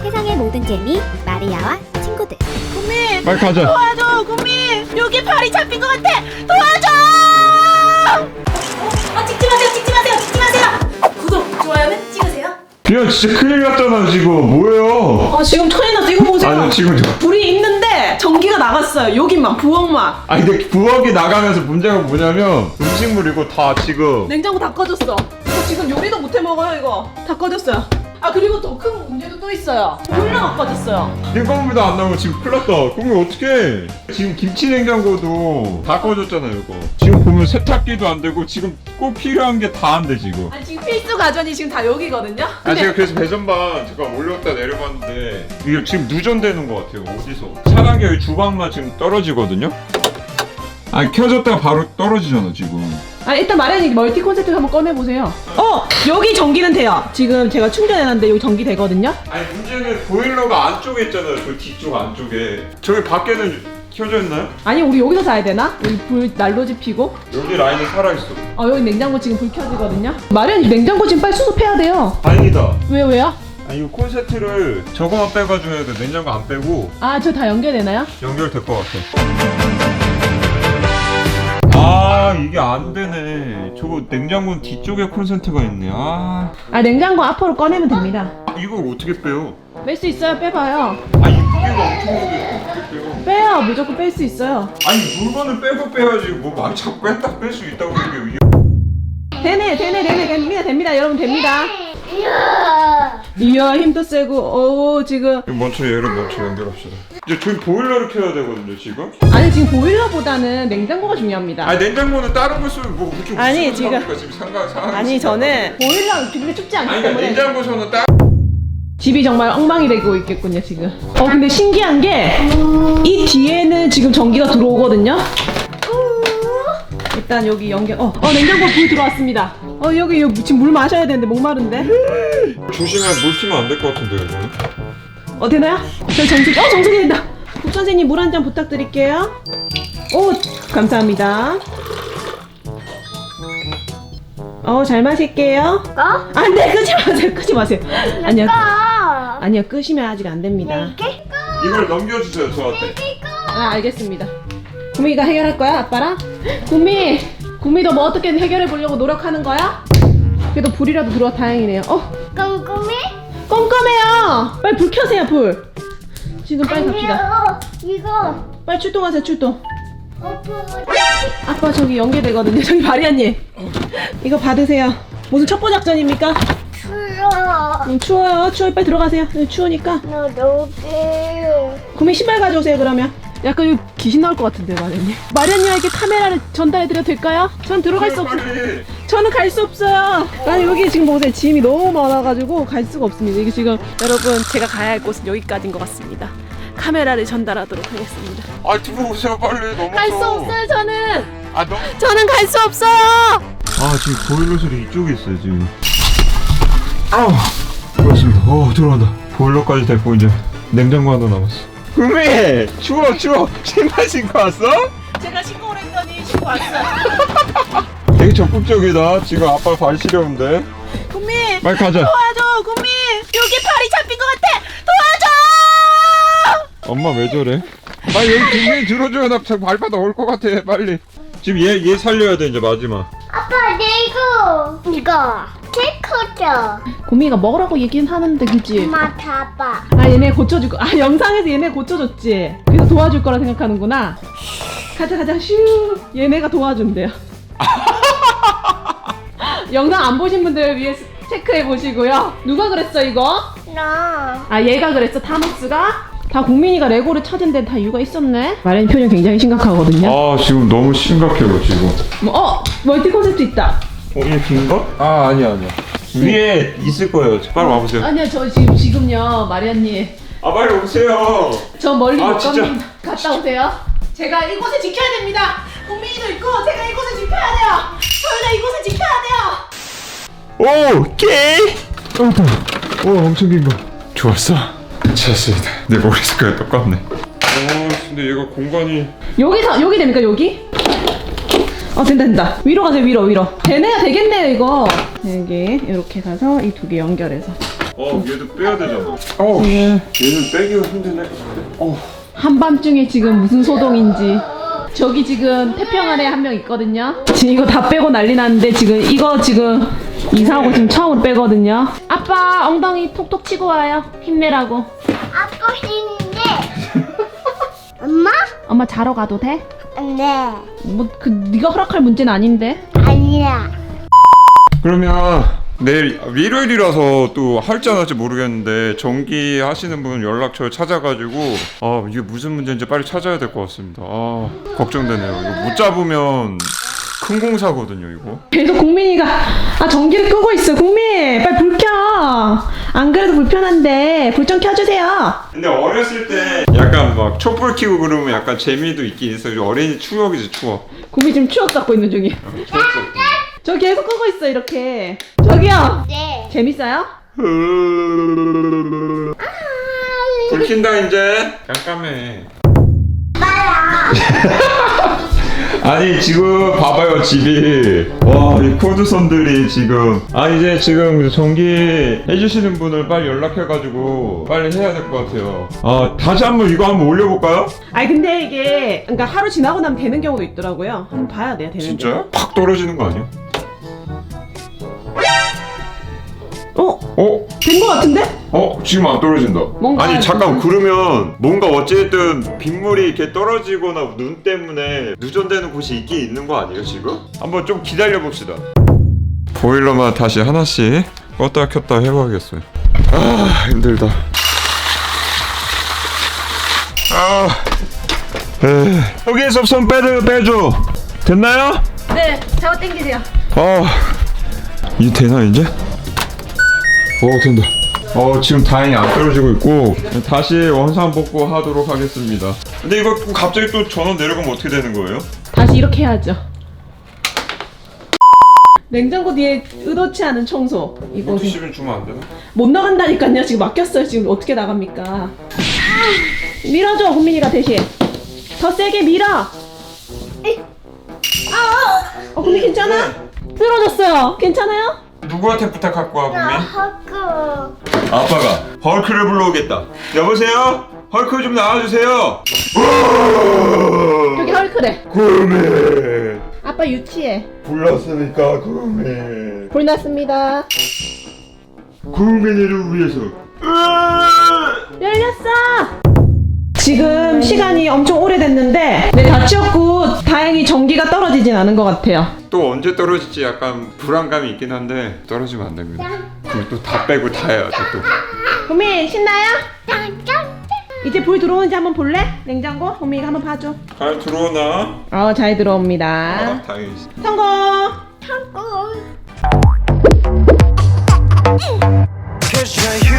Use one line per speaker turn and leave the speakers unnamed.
세상의 모든 재미 마리아와 친구들.
구미!
빨리 가자.
도와줘! 구미! 여기 발이 잡힌 것 같아! 도와줘!
찍지 마세요, 찍지 마세요, 찍지 마세요.
구독, 좋아요는 찍으세요.
야 진짜 큰일 났잖아 지금. 뭐예요?
지금 천이 났어. 이거 보세요.
아니 지금
불이 있는데 전기가 나갔어요. 여기만, 부엌만.
아니 근데 부엌이 나가면서 문제가 뭐냐면 음식물 이거 다 지금
냉장고 다 꺼졌어. 저 지금 요리도 못 해 먹어요, 이거. 다 꺼졌어요. 그리고 더 큰 문제도 또 있어요. 보일러가 꺼졌어요.
냉장고도 안 나오고 지금 큰일 났다. 그러면 어떡해. 지금 김치 냉장고도 다 꺼졌잖아요 이거. 지금 보면 세탁기도 안 되고 지금 꼭 필요한 게 다 안 돼 지금.
아니, 지금 필수 가전이 지금 다 여기거든요?
아 제가 그래서 배전반 잠깐 올렸다 내려봤는데 이게 지금 누전되는 것 같아요. 어디서 차량이 여기 주방만 지금 떨어지거든요. 아니 켜졌다가 바로 떨어지잖아 지금.
일단 마련이 멀티 콘센트 한번 꺼내보세요. 여기 전기는 돼요. 지금 제가 충전해놨는데 여기 전기 되거든요?
아니 문제는 보일러가 안쪽에 있잖아요. 그 뒤쪽 안쪽에. 저기 밖에는 켜져 있나요?
아니, 우리 여기서 자야 되나? 여기 불 난로지 피고.
여기 라인은 살아있어.
여기 냉장고 지금 불 켜지거든요? 마련이 냉장고 지금 빨리 수습해야 돼요.
다행이다.
왜요?
아니 이거 콘센트를 저거만 빼가지고 해야 돼. 냉장고 안 빼고
저 다 연결되나요?
연결될 것 같아. 이게 안 되네. 저거 냉장고는 뒤쪽에 콘센트가 있네.
냉장고 앞으로 꺼내면 됩니다.
이걸 어떻게 빼요?
뺄 수 있어요. 빼봐요.
이 무게가 엄청 무게. 어떻게 빼요?
빼요. 무조건 뺄 수 있어요.
아니 물건을 빼고 빼야지. 뭐 많이 자꾸 뺐다 뺄 수 있다고 얘기해요.
되네. 됩니다. 여러분, 됩니다. 이야, 힘도 세고. 지금.
먼저 얘를 연결합시다. 이제 저희 보일러를 켜야 되거든요 지금.
아니, 지금 보일러보다는 냉장고가 중요합니다.
아니 냉장고는 다른 거 쓰면 뭐 무슨
아니, 지금
상황이
아니, 저는 보일러 기분이 춥지 않기
아니 그러니까
때문에
냉장고에서는
집이 정말 엉망이 되고 있겠군요 지금. 근데 신기한 게 이 뒤에는 지금 전기가 들어오거든요. 일단 여기 연결. 냉장고 불 들어왔습니다. 여기 지금 물 마셔야 되는데 목마른데.
조심해. 물 튀면 안 될 것 같은데 이거는.
되나요? 저희 정수기 된다. 국 선생님 물 한 잔 부탁드릴게요. 감사합니다. 잘 마실게요. 네, 끄지 마세요. 아니요, 끄시면 아직 안 됩니다.
이걸 넘겨주세요 저한테.
알겠습니다. 구미가 해결할 거야, 아빠랑? 구미도 뭐 어떻게 해결해 보려고 노력하는 거야? 그래도 불이라도 들어와 다행이네요.
꼼꼼해?
껌껌해요. 빨리 불 켜세요, 불. 지금 빨리 갑시다.
이거.
빨리 출동하세요, 출동.
오픈.
아빠 저기 연계되거든요. 저기 마리아님. 이거 받으세요. 무슨 첩보 작전입니까?
추워.
추워요. 빨리 들어가세요. 추우니까.
나 녹게.
구미 신발 가져오세요, 그러면. 약간 여기 귀신 나올 것 같은데, 마리아님. 마리아님에게 카메라를 전달해드려도 될까요? 전 들어갈 수 없어요. 저는 갈 수 없어요. 아니, 여기 지금 보세요. 짐이 너무 많아가지고 갈 수가 없습니다. 이게 지금 여러분, 제가 가야 할 곳은 여기까지인 것 같습니다. 카메라를 전달하도록 하겠습니다.
들어오세요 빨리. 너무
갈 수 없어요, 저는.
너무.
저는 갈 수 없어요.
지금 보일러 소리 이쪽에 있어요 지금. 그렇습니다. 들어간다. 보일러까지 됐고 이제 냉장고 하나 남았어. 구미 추워. 신발 신고 왔어?
제가 신고를 했더니 신고 왔어요.
되게 적극적이다. 지금 아빠 발 시려운데.
구미,
빨리 가자.
도와줘, 구미. 여기 발이 잡힌 것 같아. 도와줘.
엄마 왜 저래? 빨리 여기 구미 들어줘요. 나 발바닥 올 것 같아. 빨리. 지금 얘 살려야 돼 이제 마지막.
아빠, 내 이거. 케이크죠.
구미가 먹으라고 얘기는 하는데, 그치?
엄마 잡아.
얘네 고쳐줄 거. 영상에서 얘네 고쳐줬지. 그래서 도와줄 거라 생각하는구나. 가자, 슈. 얘네가 도와준대요. 영상 안 보신 분들 위해 체크해 보시고요. 누가 그랬어 이거?
나.
얘가 그랬어, 타노스가? 다 국민이가 레고를 찾은 데는 다 이유가 있었네. 마련이 표정 굉장히 심각하거든요.
지금 너무 심각해요 지금.
멀티 콘셉트 있다.
얘 긴가? 아니야. 위에 있을 거예요. 빨리 와보세요.
아니요, 저 지금요, 마리아님.
빨리 오세요.
저 멀리 못
진짜.
갑니다. 갔다 오세요. 제가 이곳을 지켜야 됩니다. 국민이도 있고 제가 이곳을 지켜야 돼요. 저희가 이곳을 지켜야 돼요.
오케이. 엄청 긴 거. 좋았어. 찾았습니다. 내 머리 색깔 똑같네. 근데 얘가 공간이.
여기 됩니까, 여기? 된다. 위로 가세요, 위로. 되네요, 되겠네요, 이거. 여기, 이렇게 가서 이 두 개 연결해서.
얘도 빼야 되잖아. 얘는 빼기가 힘드네.
한밤중에 지금 무슨 소동인지. 저기 지금 태평 아래 한 명 있거든요. 지금 이거 다 빼고 난리 났는데 지금 이거 지금 이사하고 지금 처음으로 빼거든요. 아빠 엉덩이 톡톡 치고 와요. 힘내라고.
아빠 힘인데. 엄마?
엄마 자러 가도 돼?
네.
뭐 그 네가 허락할 문제는 아닌데.
아니야.
그러면 내일 일요일이라서 또 할지 안 할지 모르겠는데 전기 하시는 분 연락처 찾아가지고 이게 무슨 문제인지 빨리 찾아야 될 것 같습니다. 걱정되네요. 이거 못 잡으면 큰 공사거든요, 이거.
계속 국민이가 전기를 끄고 있어. 국민 빨리 불 켜. 안 그래도 불편한데 불 좀 켜주세요.
근데 어렸을 때 약간 막 촛불 켜고 그러면 약간 재미도 있긴 있어요. 어린이 추억이지, 추억.
국민 지금 추억 갖고 있는 중이야. 저 계속 끄고 있어 이렇게. 저기요.
네.
재밌어요?
불 킨다 이제. 깜깜해. 아니 지금 봐봐요 집이 이 코드선들이 지금 이제 지금 전기 해주시는 분을 빨리 연락해가지고 빨리 해야 될 것 같아요. 다시 한번 이거 한번 올려볼까요?
아니 근데 이게 그러니까 하루 지나고 나면 되는 경우도 있더라고요. 한번 봐야 돼요. 되는지.
진짜요? 팍 떨어지는 거 아니야?
된 거 같은데?
지금 안 떨어진다.
뭔가
아니 잠깐 그러면 뭔가 어쨌든 빗물이 이렇게 떨어지거나 눈 때문에 누전되는 곳이 있긴 있는 거 아니에요 지금? 한번 좀 기다려 봅시다. 보일러만 다시 하나씩 껐다 켰다 해봐야겠어요. 힘들다. 여기에서 손 빼줘. 됐나요?
네. 잡아 당기세요.
이게 되나 이제? 된다. 지금 다행히 안 떨어지고 있고 다시 원상 복구하도록 하겠습니다. 근데 이거 갑자기 또 전원 내려가면 어떻게 되는 거예요?
다시 이렇게 해야죠. 냉장고 뒤에 의도치 않은 청소. 이거
물티슈를 주면 안 되나?
못 나간다니까요. 지금 막혔어요. 지금 어떻게 나갑니까? 밀어줘 국민이가 대신. 더 세게 밀어. 국민 괜찮아? 쓰러졌어요. 괜찮아요?
누구한테 부탁할 거야
나
분명?
하고.
아빠가 헐크를 불러오겠다. 여보세요? 헐크 좀 나와주세요.
여기 헐크래.
구미
아빠 유치해.
불렀으니까 구미
불 났습니다.
구미를 위해서.
열렸어. 지금 시간이 엄청 오래됐는데 다 치웠고 다행히 전기가 떨어지진 않은 것 같아요.
또 언제 떨어질지 약간 불안감이 있긴 한데 떨어지면 안 됩니다. 그리고 또 다 빼고 다 해야 돼 또.
국민 신나요?
짠짠.
이제 불 들어오는지 한번 볼래? 냉장고? 국민이가 한번 봐줘.
잘 들어오나?
잘 들어옵니다.
다행이지.
성공!
하고.
Cause you're